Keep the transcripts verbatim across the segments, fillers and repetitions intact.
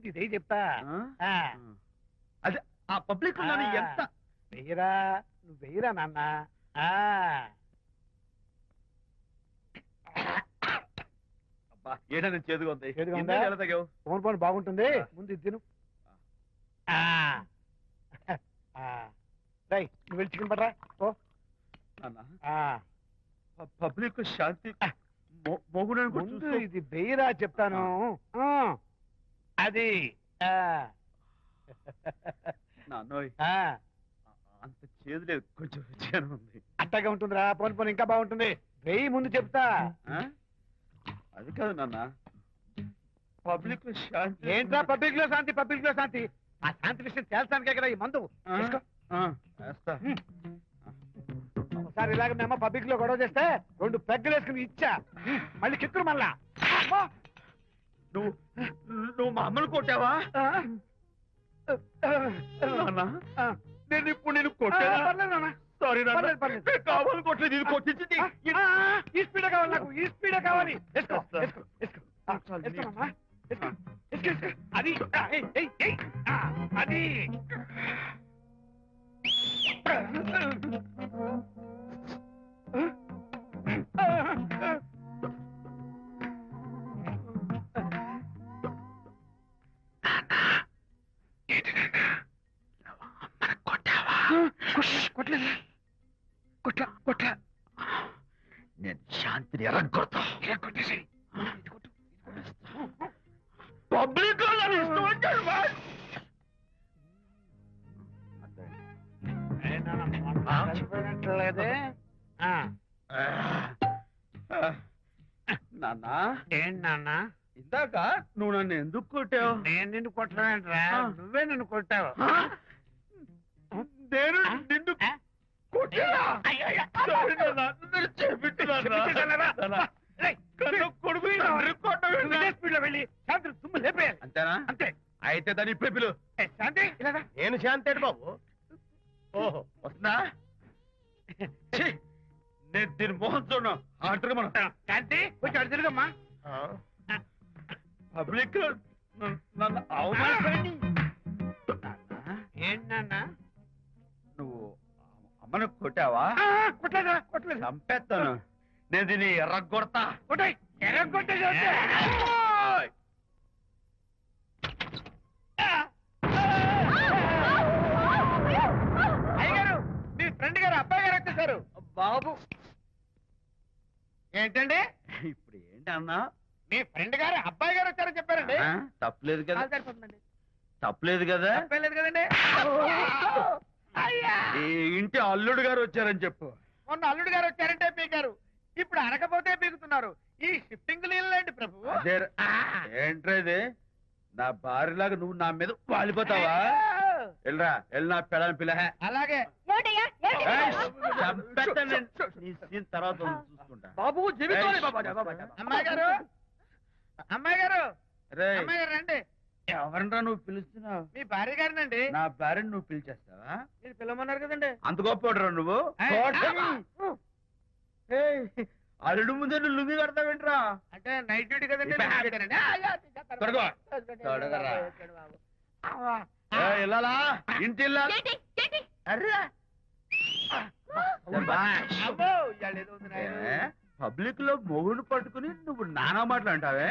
ఇదే చెప్తా. అదే ఆ పబ్లిక్ ఎంత వెయ్యరా, నువ్వు వెయ్యరా నాన్న. ఏదైనా చేదుగా ఉంది. ఫోన్ ఫోన్ బాగుంటుంది, ముందు ఇది తిను. నువ్వు వెళ్ళి చికెన్ పడరా. ఓ పబ్లిక్ శాంతి ముందు ఇది వెయ్యరా చెప్తాను. అది అంత చేదు లేదు, కొంచెం రుచిగానే ఉంది. అట్టగా ఉంటుందిరా, పోను పోను ఇంకా బాగుంటుంది. వెయ్యి ముందు చెప్తా. అది కాదు నాన్న, పబ్లిక్ లో శాంతి. ఏంట్రా పబ్లిక్ లో శాంతి? పబ్లిక్ లో శాంతి ఆ శాంతి విషయం తేల్చడానికే కదా ఈ మందు. ఒకసారి ఇలాగ మేము పబ్లిక్ లో గొడవ చేస్తే రెండు పెగ్గలు వేసుకుని ఇచ్చా, మళ్ళీ కిక్కురు మళ్ళా. నువ్వు నువ్వు మా అమ్మను కొట్టావా? నేను ఇప్పుడు నేను కొట్టాను. సారీ కావాలి కొట్టలేదు, ఇది కొట్టించింది. ఈ స్పీడే కావాలి నాకు, ఈ స్పీడే కావాలి. అది అది కొట్టలేదు, కొట్ల కొట్ల నేను శాంతిని ఎరగొడతా. కొట్టేసి పబ్లిక్ లేదే. నాన్న ఏంటి నాన్న, ఇందాక నువ్వు నన్ను ఎందుకు కొట్టావు? నేను నిన్ను కొట్టలేంట్రా, నువ్వే నన్ను కొట్టావు. నేను నిన్ను అంతేనా? అంతే. అయితే దాని ఇప్పుడే పిలు. శాంతి నేను శాంతి అంటే బాబు. ఓహో వస్తుందా? నేను దీని మోహన్ చూడను. ఆటగా మనం శాంతి కొంచెం అడు తిరుగమ్మా. పబ్లిక్ నన్ను అవమానపడి. ఏంటి నాన్న, నువ్వు అమ్మను కొట్టావా? కొట్టలేదా? కొట్టలేదు. చంపేస్తాను నేను, దీన్ని ఎర్రగొడతా. కొట్టాయి, ఎర్రగొట్టేసి అయ్యగారు, మీ ఫ్రెండ్ గారు అబ్బాయి గారు వచ్చేసారు. బాబు ఏంటండి ఇప్పుడు ఏంటి అన్నా? మీ ఫ్రెండ్ గారు అబ్బాయి గారు వచ్చారని చెప్పారండి. తప్పలేదు కదా? సరిపోతుందండి. తప్పలేదు కదా? తప్పలేదు కదండి. ఈ ఇంటి అల్లుడు గారు వచ్చారని చెప్పు. మొన్న అల్లుడు గారు వచ్చారంటే పీకారు, ఇప్పుడు అనకపోతే పీకుతున్నారు. ఈ షిఫ్టింగ్ లీలండి ప్రభు. ఏంట్రేది? నా భార్యలాగా నువ్వు నా మీద వాలిపోతావా? వెళ్ళరా, వెళ్ళి నా పెళ్ళని పిల్ల. అలాగే తర్వాత చూసుకుంటా. బాబు అమ్మాయి గారు, అమ్మాయి గారు, అమ్మాయి గారు రండి. ఎవరన్నా నువ్వు పిలుస్తున్నావు? మీ భార్య గారినండి. నా భార్యను నువ్వు పిలిచేస్తావా? మీరు పిలవమన్నారు కదండి. అంత గొప్ప నువ్వు? అల్లుడు ముందే నువ్వు లుంగి కడతావేంట్రా? అంటే నైట్ డ్యూటీ కదండి. ఇల్లాలా ఇంటి పబ్లిక్ లో మొగుడు పట్టుకుని నువ్వు నానా మాటలు అంటావే?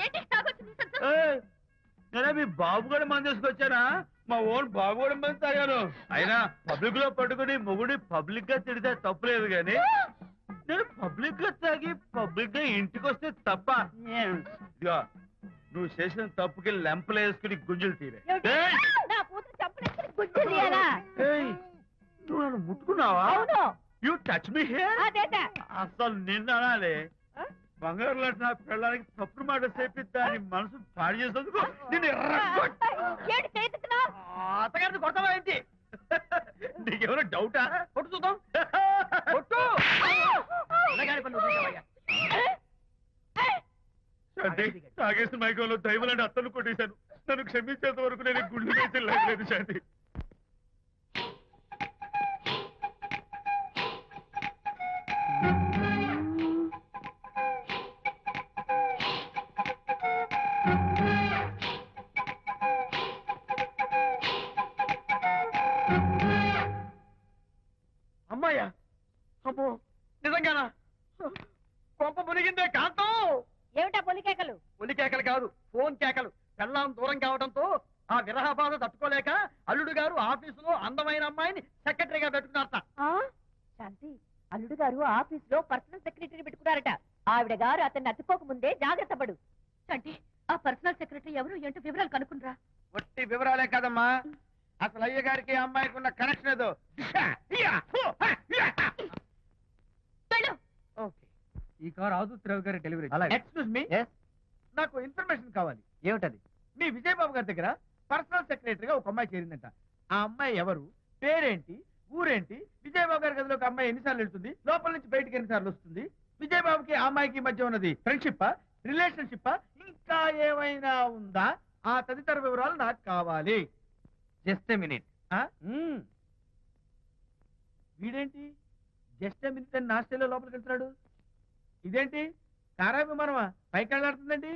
నేనే మీ బాబు కూడా మంది తీసుకొచ్చానా? మా ఓన్ బాబు కూడా మంది తాగాను. అయినా పబ్లిక్ లో పట్టుకుని మొగుడి పబ్లిక్ గా తిడితే తప్పులేదు గాని, నేను పబ్లిక్ గా తాగి పబ్లిక్ గా ఇంటికి వస్తే తప్ప. ఇదిగో నువ్వు చేసిన తప్పుకి లెంపలు వేసుకుని గుంజులు తీరే. నువ్వు నన్ను ముట్టుకున్నావా? You touch me here. అసలు నిన్న అనాలి. బంగారు లాంటి నా పిల్లలకి తప్పుడు మాట చెప్పి దాని మనసు పాడు చేసేందుకు నేను అత్తగారిని కొడతావా ఏంటి? నీకేమైనా డౌటా? కొట్టు చూద్దాం. కొట్టు. తాగేసిన మైకంలో దైవలాంటి అత్తలు కొట్టేశాను. నన్ను క్షమించేంత వరకు నేను గుళ్ళు వేసి లేదు శాంతి. అమ్మాయ్యా అమ్మో నిజంగానా కొంప మునిగిందే కాంతం ఏమిటా పొలికేకలు? ఒలి కేకలు కాదు ఫోన్ కేకలు. పెళ్ళాం దూరం కావడంతో ఆ విరహ బాధ తట్టుకోలేక అల్లుడు గారు ఆఫీసులో అందమైన అమ్మాయిని సెక్రటరీగా పెట్టుకున్నారట. ఆ? శాంతి, అల్లుడు గారు ఆఫీస్ లో పర్సనల్ సెక్రటరీ పెట్టుకున్నారట. ఆవిడ గారు అతన్ని అతుక్కోక ముందే జాగ్రత్త పడు. శాంతి, ఆ పర్సనల్ సెక్రటరీ ఎవరు ఏంటో వివరాలు కనుక్కునరా. వట్టి వివరాలే కదమ్మా, అసలు అయ్య గారికి అమ్మాయికి ఉన్న కనెక్షన్ ఏదో. ఓకే, ఈ కార్ ఆదుత్రావు గారి డెలివరీ. ఎక్స్క్యూజ్ మీ, నాకు ఇన్ఫర్మేషన్ కావాలి. ఏమిటది? మీ విజయబాబు గారి దగ్గర పర్సనల్ సెక్రటరీగా ఒక అమ్మాయి చేరిందంట. ఆ అమ్మాయి ఎవరు, పేరేంటి, ఊరేంటి, విజయబాబు గారి గదిలో ఒక అమ్మాయి ఎన్నిసార్లు వెళ్తుంది, లోపల నుంచి బయటికి ఎన్నిసార్లు వస్తుంది, విజయబాబుకి ఆ అమ్మాయికి మధ్య ఉన్నది ఫ్రెండ్షిప్ రిలేషన్షిప్ ఇంకా ఏమైనా ఉందా, ఆ తదితర వివరాలు నాకు కావాలి. Just a minute. వీడేంటి జస్ట్ మినిట్ అని నాస్టేలో లోపలికి వెళ్తున్నాడు? ఇదేంటి కారా విమానమా పైకి వెళ్ళాడుతుందండి?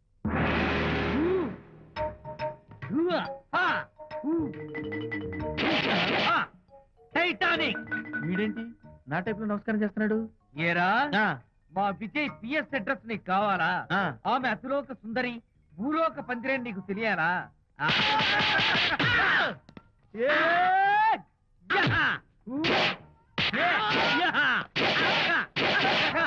టైటానిక్. వీడేంటి నా టైప్ లో నమస్కారం చేస్తున్నాడు? ఏరా, ఆ, మా విజయ్ పిఎస్ అడ్రస్ నీకు కావాలా? ఆ. ఆమె అతిలోక సుందరి, భూలోక పందిరే నీకు తెలియాలా? ఆ. ఏ, యహ! ఊ! ఏ! యహ! యహ!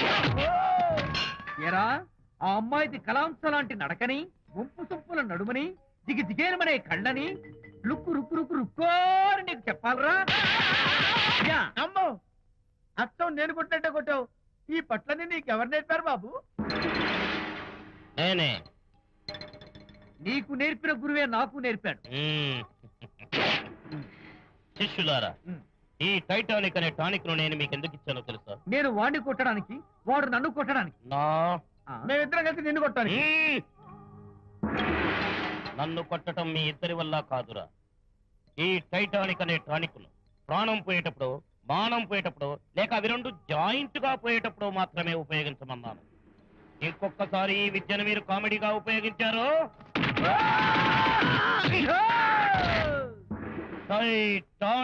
ఏరా, ఆ అమ్మాయిది కలాంస లాంటి నడకని, ముంపు సొంపుల నడుమని, దిగి దిగేనమనే కళ్ళని, లుక్కు రుక్కు రుక్కు రుక్కోని నీకు చెప్పాలరా? యా! అమ్మో అత్తం నేను కొట్టినట్టే కొట్టావు. ఈ పట్లని నీకెవరు నేర్పారు బాబు? నేనే. నీకు నేర్పిన గురువే నాకు నేర్పాడు. మ్మ్. శిష్యులారా, ఈ టైటానిక్ అనే టానిక్ ను నేను మీకు ఎందుకు ఇచ్చానో తెలుసా? నేను వాడిని కొట్టడానికి, వాడు నన్ను కొట్టడానికి. నా ఆ? మేమిద్దరం కలిసి నిన్ను కొట్టాను. మ్మ్. నన్ను కొట్టడం మీ ఇద్దరి వల్ల కాదురా. ఈ టైటానిక్ అనే టానిక్ ను ప్రాణం పోయేటప్పుడు, మానం పోయేటప్పుడు, లేక అవి రెండు జాయింట్ గా పోయేటప్పుడు మాత్రమే ఉపయోగించమన్నాను. ఇంకొకసారి ఈ విద్యను మీరు కామెడీగా ఉపయోగించారు, టైటానిక్